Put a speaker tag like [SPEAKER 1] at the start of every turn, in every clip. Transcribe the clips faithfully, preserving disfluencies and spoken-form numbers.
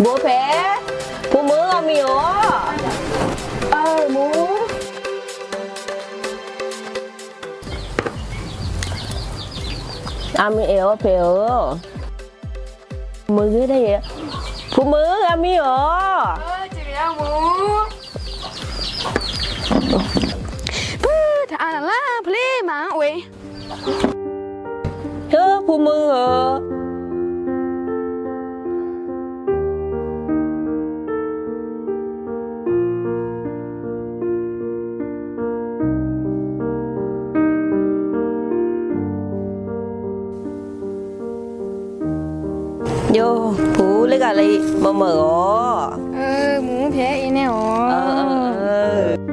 [SPEAKER 1] bố bé bố mớ à mì ó ờ bố à mì éo bé ơ mớ cái đây bố mớ à mì ó
[SPEAKER 2] ơ chị à bố bơ thà là play mà ui
[SPEAKER 1] hơ bố mớ ờ vô phú lấy gà lấy mở mở ó
[SPEAKER 2] ơ bố bé ý nè ó
[SPEAKER 1] ờ ờ ờ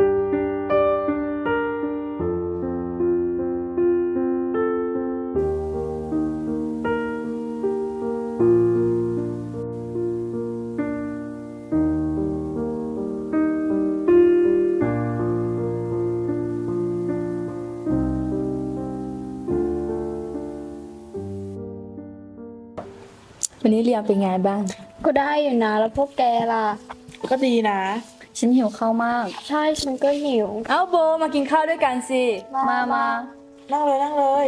[SPEAKER 3] วันนี้เรียนเป็นไงบ้าง
[SPEAKER 2] ก็ได้อยู่นะแล้วพวกแกล่ะ
[SPEAKER 4] ก็ดีนะ
[SPEAKER 3] ฉันหิวข้าวมาก
[SPEAKER 2] ใช่ฉันก็หิว
[SPEAKER 3] เอ้าโบมากินข้าวด้วยกันสิ มามา
[SPEAKER 4] นั่งเลยนั่งเลย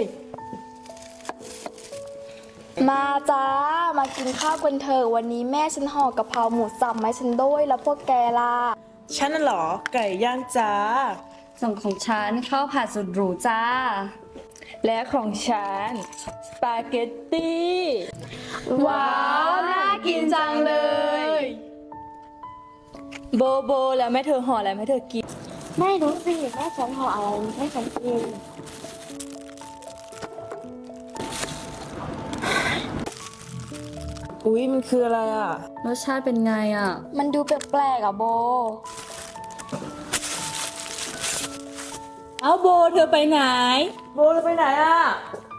[SPEAKER 2] มาจ้ามากินข้าวกันเถอะวันนี้แม่ฉันห่อกะเพราหมูสับมาให้ฉันด้วยแล้วพวกแกล่ะ
[SPEAKER 4] ฉันน่ะเหรอ ไก่ย่างจ้า
[SPEAKER 3] ส่งของฉันข้าวผัดสุดหรูจ้า
[SPEAKER 1] และของฉันสปาเกตตี้
[SPEAKER 2] ว้าวน่ากินจังเลย
[SPEAKER 3] โบโบแล้วแม่เธอห่ออะไรแม่เธอกิน
[SPEAKER 2] ไม่รู้สิแม่ฉันห่ออะไรให้ฉันกิน
[SPEAKER 4] อุ๊ย มันคืออะไรอ่ะ
[SPEAKER 3] รสชาติเป็นไงอ่ะ
[SPEAKER 2] มันดูแปลกๆอ่ะโบ
[SPEAKER 3] เอ้าโบเธอไปไหน
[SPEAKER 4] โบเราไปไหนอ่ะ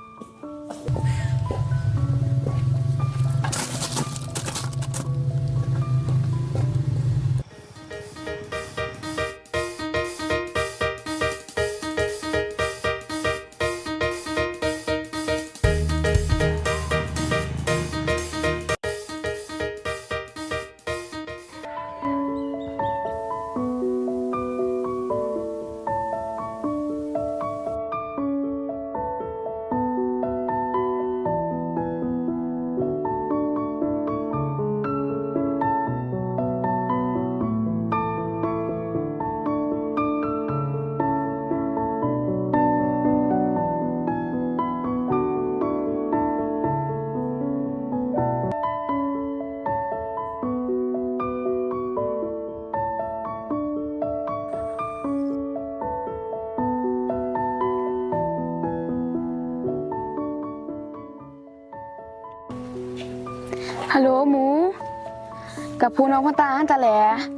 [SPEAKER 2] ฮัลโหลหมู กับพูน้องพ่อตาอันตะแหล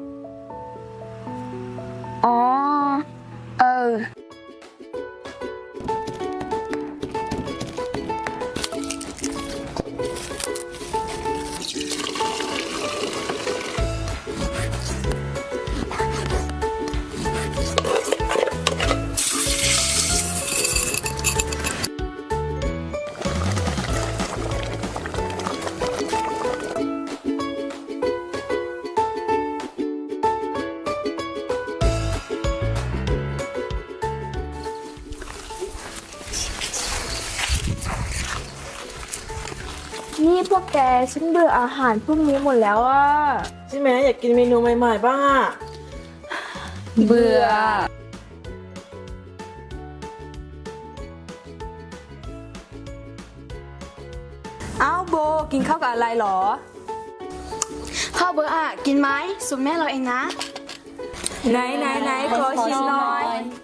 [SPEAKER 2] อ๋อ เออ นี่พวกแกฉันเบื่ออาหารพวกนี้หมดแล้วอ่ะ
[SPEAKER 4] ใช่ไหมอยากกินเมนูใหม่ๆบ้างอ่ะ
[SPEAKER 3] เบื่อ เอ้าโบกินข้าวกับอะไรหรอ
[SPEAKER 2] ข้าวเบอร์อ่ะ กินไหมสูตรแม่เราเองนะ
[SPEAKER 3] ไหนไหนไหนขอชิมหน่อย
[SPEAKER 2] อ